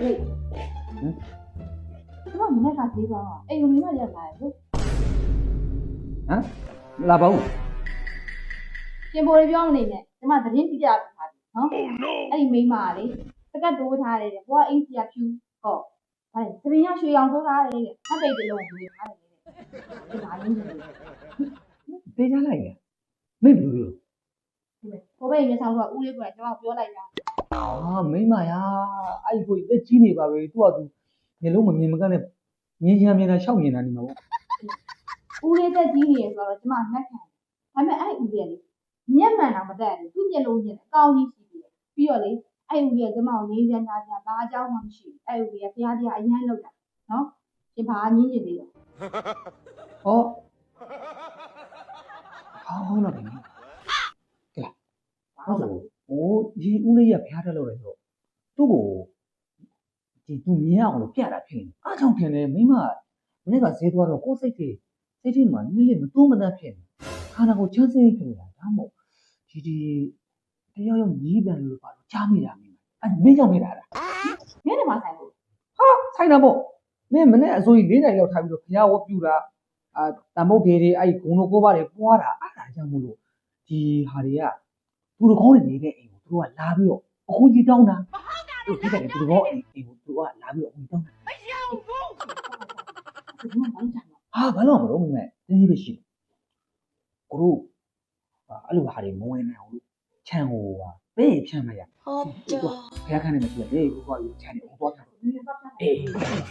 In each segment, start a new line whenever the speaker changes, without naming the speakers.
对，怎么你那啥地方啊？哎，有没有人来？
啊，拉包。
先玻璃表面呢，怎么这边底下不擦的？啊？哎，没嘛嘞，这个都擦的，我硬是要修哦。哎，这边要修养做啥的？他这个龙没擦的，这哪里的？
别家来呀，没不了。
我被人家上说屋里过来，叫我不要来呀。
啊，没嘛呀，哎，会在几年吧？喂，多少度？你老们你们干的，年轻面的小面的你们。
屋里在几年的时候，怎么还看？还没爱屋里的，年满那么大的，中间楼间高一些的，比较嘞，爱屋里怎么年前家把家往去，爱屋里别家一样楼的，喏，先把年前的。
哦，好了，你。对，我说我你屋里也拍着了来说，都个这都面啊，我拍了片，啊，张片呢没嘛，那个谁多少过谁的，谁的嘛，你里面多么大片，看那个真是一片了，他们这要用一边路把加米了，啊，没讲没来了，
没得嘛菜不？
哈，菜那不，没门呢，所以你那要差不多，呀，我比如啦，啊，但冇别的，哎，公路过把的刮啦，啊，大家冇路，ဒီဟာတွေကသူတို့ကောင်းနေတဲ့အိမ်ကိုသူတို့ကလာပြီးတော့အခုကြီးတောင်းတာသူတို့ဒီကနေ့သူတို့ကောင်းအိမ်ကိုသူတို့ကလာပြီးတော့အခုတောင်းတာ
怎么忙着呢？
ဟာဘာလို့မလုပ်မလဲတင်းကြီးပဲရှိကိုတို့အဲ့လိုဟာတွေမဝင်နိုင်အောင်လို့ခြံကိုပဲဖြန့်လိုက်ရဟုတ်တယ်ဖျားခန်းနေမရှိတယ်ကိုကယူခြံနေအောင်သွားတာအေး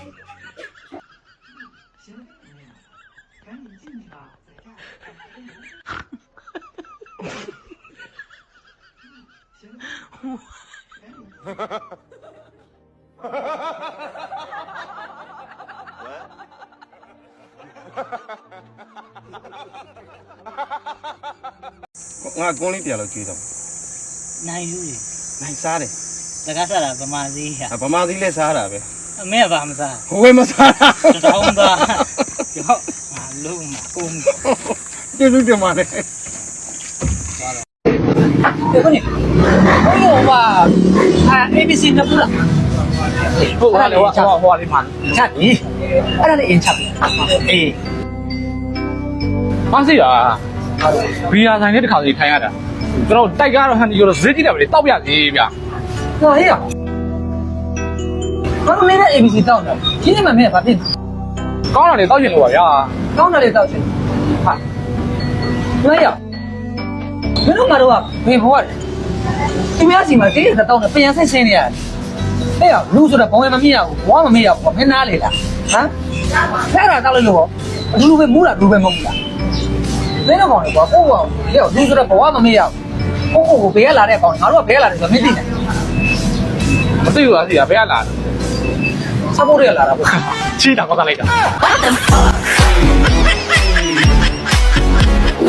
赶紧进去吧，
ငါကွန်းလေးပြန်လို့ကြွေးတော့
နိုင်ယူလေ
နိုင်စားတယ်
တကားစားတာဗမာသေးရ
ဗမာသီးလည်းစားတာပဲ
အမေကဘာမစား
ဟိုဝဲမစားတာ
တောင်းသားရောငါလုံးမကုန်း
ကျေးဇူးတင်ပါတယ်
ဘယ်ကနေဟိုပါABC နှစ်ခုလား
ဟုတ်ပါလေဟိုလေးမှာချက်ပြီအဲ့ဒါလေးအင်ချက်ပြီအေး
မသိတာဘီယာဆိုင်နဲ့တစ်ခါစီထိုင်ရတာကျွန်တော်တိုက်ကားတော့ဟန်ဒီကိုဈေးကြည့်တယ်ဗျတောက်ပြစီဗျ
ဟောဟေးရဘာလို့လဲ ABC တောင်းတာဒီနေ့မှမင်းကဘာဖြစ်
ကောင်းတာလေတောက်ချင်လို့ပါဗျာ
ကောင်းတယ်လေတောက်ချင်ဟာမင်းရမင်းတို့ကတော့ဘယ်ဘဝလဲသူများစီမှာတိကျတောင်းတယ်ပြန်ဆက်ဆင်းနေရတယ်အဲ့ရလူဆိုတော့ဘုံမမြင်ရဘူးဘဝမမြင်ရဘူးမင်းနားလေလားဟမ်အဲ့ဒါတောက်လိုက်လို့အလူပဲမူးလားလူပဲမမူးလားမင်းတို့ကောင်လေကွာကိုယ့်ကောင်လေလူဆိုတော့ဘဝမမြင်ရဘူးကိုဘယ်ကလာတဲ့ကောင်ငါတို့ကဘယ်ကလာတယ်ဆိုတော့မသိနဲ့
မသိဘူးလားစီကဘယ်ကလာ
စပိုးတွေကလာတာပေါ့
ချီးတာကောက်လိုက်တာ